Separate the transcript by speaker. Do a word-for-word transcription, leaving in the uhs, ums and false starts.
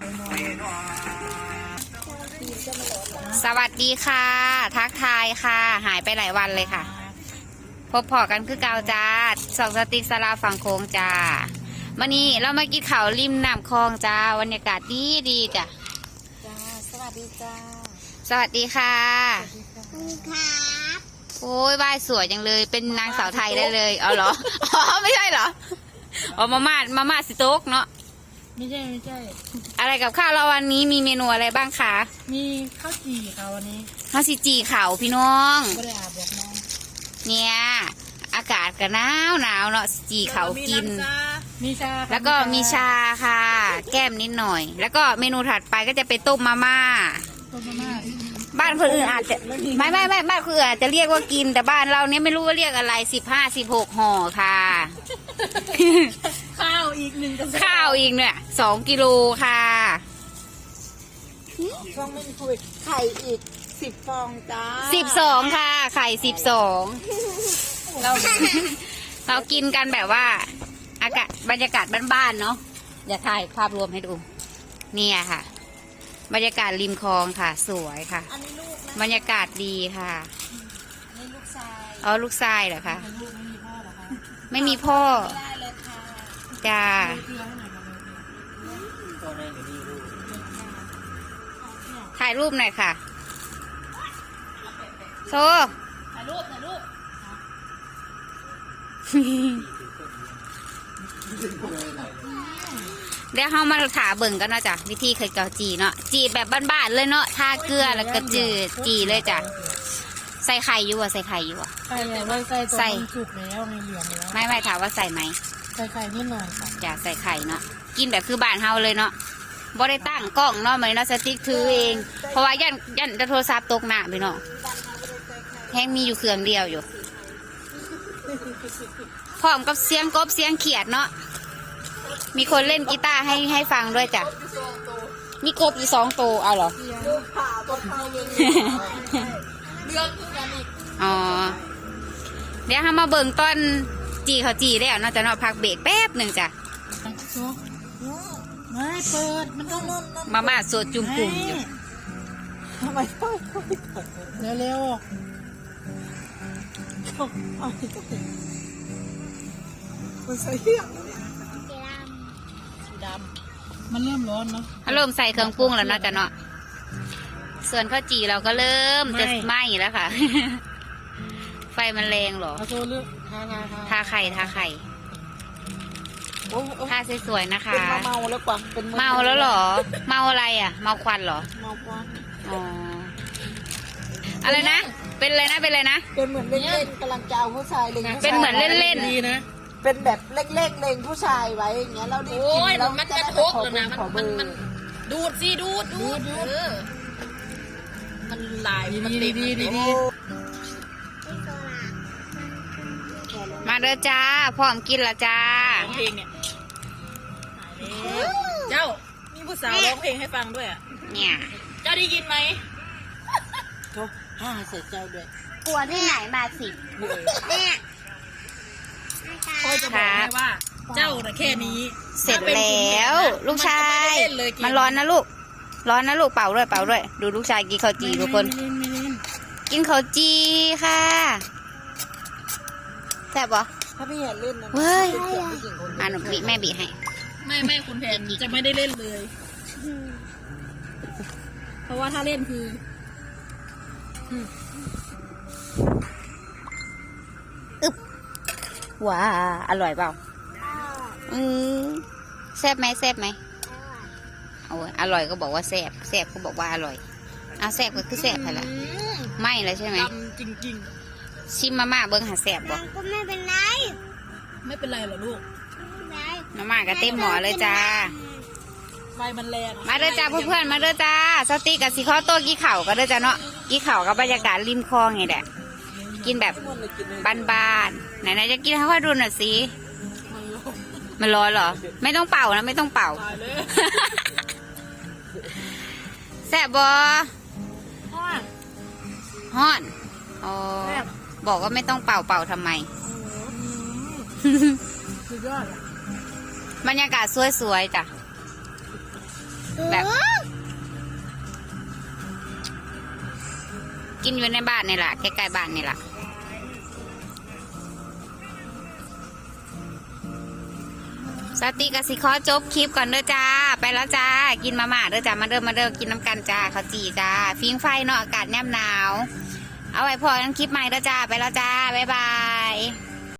Speaker 1: สวัสดีค่ะทักทายค่ะหายไปหลายวันเลยค่ะพบพอกันคือเก่าจ้าสองสติ๊กสลาฝั่งโค้งจ้าวันนี้เรามากินข้าวริมน้ำคลองจ้าบรรยากาศดีดีจ้ะ
Speaker 2: จ้าสวัสดีจ้า
Speaker 1: สวัสดีค่ะ
Speaker 2: ครับ
Speaker 1: โอ้ยบ้านสวยจังเลยเป็นนางสาวไทยได้เลยเอาเหรออ๋อไม่ใช่เหรออ๋อมาม่ามาม่าสิโต๊กเนาะ
Speaker 2: ไม่ใช่ไม่ใช่
Speaker 1: อะไรกับข้าวเราวันนี้มีเมนูอะไรบ้างคะ
Speaker 2: มีข้าวจี่ค่ะวันนี้
Speaker 1: ข้าวซีจีข่าวพี่น้อง
Speaker 2: ไม่ได้อาบบอกน้อง
Speaker 1: เนี่ยอากาศก็หนาวหนาวเนาะจีข่าวกิน
Speaker 2: มีชา
Speaker 1: แล้วก็มีชาค่ะ แก้มนิดหน่อย แล้วก็เมนูถัดไปก็จะเป็นต้มมาม่า
Speaker 2: ต้มมาม่า
Speaker 1: บ้านคนอื่นอาจจะไม่ไม่ไม่บ้านคนอื่นอาจจะเรียกว่ากินแต่บ้านเราเนี่ยไม่รู้ว่าเรียกอะไรสิบห้าสิบหกห่อค่ะ
Speaker 2: ข้าวอีกหนึ่ง
Speaker 1: ข้าวอีกเนี่ยสองกิโลค่ะ
Speaker 2: ฟองไม่คุยไข่อีกสิบฟองจ้า
Speaker 1: สิบสองค่ะไข่สิบสองเราเรากินกันแบบว่าอากาศบรรยากาศบ้านๆเนาะอย่าถ่ายภาพรวมให้ดูเนี่ยค่ะบรรยากาศริมคลองค่ะสวยค่ะบรรยากาศดีค่ะ
Speaker 2: นี่ลูกชาย
Speaker 1: อ๋อลูกชายเหรอคะ
Speaker 2: ไม่มีพ่อเหรอคะ
Speaker 1: ไม่มีพ่อ
Speaker 2: ได้เลยค่ะ
Speaker 1: จ้าถ่ายรูปหน่อยค่ะโซ
Speaker 2: ถ่ายรูปถ่ายรูป
Speaker 1: เดี๋ยวเขามาถาเบิ่งกันเนาะจ้ะวิธีเคยเกาจีเนาะจีแบบบ้านๆเลยเนาะทาเกลือแล้วก็จืดจีเลยจ้ะใส่ไข่อยู่อ่ะใส่ไข่อยู่อ่ะ
Speaker 2: ใส่ไม่ใส่ใส่จุกแล้วในเหลืองแล้ว
Speaker 1: ไม่ไม่ถามว่าใส่ไหม
Speaker 2: ใส่ไข่นิดหน่อยค่ะ
Speaker 1: จ้ะใส่ไข่เนาะกินแบบคือบ้านเฮาเลยเนาะบ่ได้ตั้งกล้องเนาะเหมือนเราสติ๊กถือเองเพราะว่ายันยันโทรศัพท์ตกหน้าไปเนาะแห้งมีอยู่เครื่องเดียวอยู่พร้อมกับเสียงกบเสียงเขียดเนาะมีคนเล่นกีตาร์ให้ให้ฟังด้วยจ้ะมีกบอยู่สองตัวเอาเหรออ๋อเดี๋ยวเรามาเบิ่งต้นจีเขาจีแล้วเนาะจะเนาะพักเบรกแป๊บหนึ่งจ้ะ
Speaker 2: ไม่เปิดมันต้อง
Speaker 1: มาม่าสดจุ่มปุ่มอยู่
Speaker 2: ทำไมต้องเร็วเร็วมันใส่เหี้ยสีดำมันเริ่มร้อนเนาะ
Speaker 1: เริ่มใส่เครื่องปรุงแล้วเนาะจ้ะเนาะส่วนข้าวจีเราก็เริ่มจะไหม้แล้วค่ะไฟมันแรงหรอ
Speaker 2: ทาเลือกทา
Speaker 1: ทาไข่ทาไข่ทาสวยๆนะคะเป็น
Speaker 2: เมาแล้วกว่าเป็น
Speaker 1: เมาแล้วหรอเมาอะไรอ่ะเมาควันหรอ
Speaker 2: เมาควัน
Speaker 1: อ๋ออะไรนะเป็นอะไรนะเป็นอะไรนะ
Speaker 2: เป็นเหมือนเล่นๆกำลังจะเอาผู้ชายเล็ง
Speaker 1: เป็นเหมือนเล่นๆ
Speaker 2: ดีนะเป็นแบบเล็กๆเล็งผู้ชายไว้อย่างเงี้ยเราได้กินแล้วมันจะทกแล้วนะมันมันดูดสิดูดดูดดูดมันลายมันดีดีดี
Speaker 1: มาเด้อจ้าพร้อมกินละจ้า
Speaker 2: เพลงเนี่ยเจ้ามีผู้สาวร้องเพลงให้ฟังด้วยอ่ะ
Speaker 1: เนี่ย
Speaker 2: เจ้าได้ยินไหมเขาห้าเสร็จเจ้าด้วย
Speaker 1: กลัวที่ไหนมาสิเนี่ย
Speaker 2: พ่อจะบอกให้ว่าเจ้าแต่แค่นี้
Speaker 1: เสร็จแล้วลูกชายมันร้อนนะลูกร้อนนะลูกเป่าด้วยเป่าด้วยดูลูกชายกินข้าวจีทุกคนกินข้าวจีค่ะแซ่บปะ
Speaker 2: ถ้าพี่เห็นเล่นนะ
Speaker 1: เว้ยอ่ะหนูบีแม่บีให้
Speaker 2: ไม่ไม่คุณแผนจะไม่ได้เล่นเลยเพราะว่าถ้าเล่นคือ
Speaker 1: อึบว้าอร่อยเปล่าอืมแซ่บไหมแซ่บไหมเอาอร่อยก็บอกว่าแซ่บแซ่บก็บอกว่าอร่อยเอาแซ่บก็คือแซ่บไปละไม่เลยใช่ไหม
Speaker 2: จริงจริง
Speaker 1: ชิมมาม่าเบิ้งหาแซ่บบ่
Speaker 2: ก็ไม่เป็นไรไม่เป็นไรหรอลูก
Speaker 1: มาม่าก็เต็มหม้อเลยจ้า
Speaker 2: ไฟมันแรง
Speaker 1: มาเด้อจ้าเพื่อนๆมาเด้อจ้าสติกับสีข้าวโต้กี้เข่าก็เด้อจ้าเนาะกี้เข่ากับบรรยากาศริมคลองไงแหละกินแบบบ้านๆไหนๆจะกินให้ค่อยดูหน่อยสิมันร้อนเหรอไม่ต้องเป่านะไม่ต้องเป่าแซ่บบ่ฮ้อนอ๋อบอกว่าไม่ต้องเป่าเป่าทำไมบรรยากาศสวยๆจ้ะแบบ กินอยู่ในบ้านนี่แหละใกล้ๆบ้านนี่แหละสติกสิขอจบคลิปก่อนเด้อจ้าไปแล้วจ้ากินมาม่าเด้อจ้ามาเด้อมาเด้อกินน้ำกันจ้าข้าวจีจ้าฟิงไฟเนาะอากาศแนบหนาวเอาไว้พอกันคลิปใหม่เด้อจ้าไปแล้วจ้าบ๊ายบาย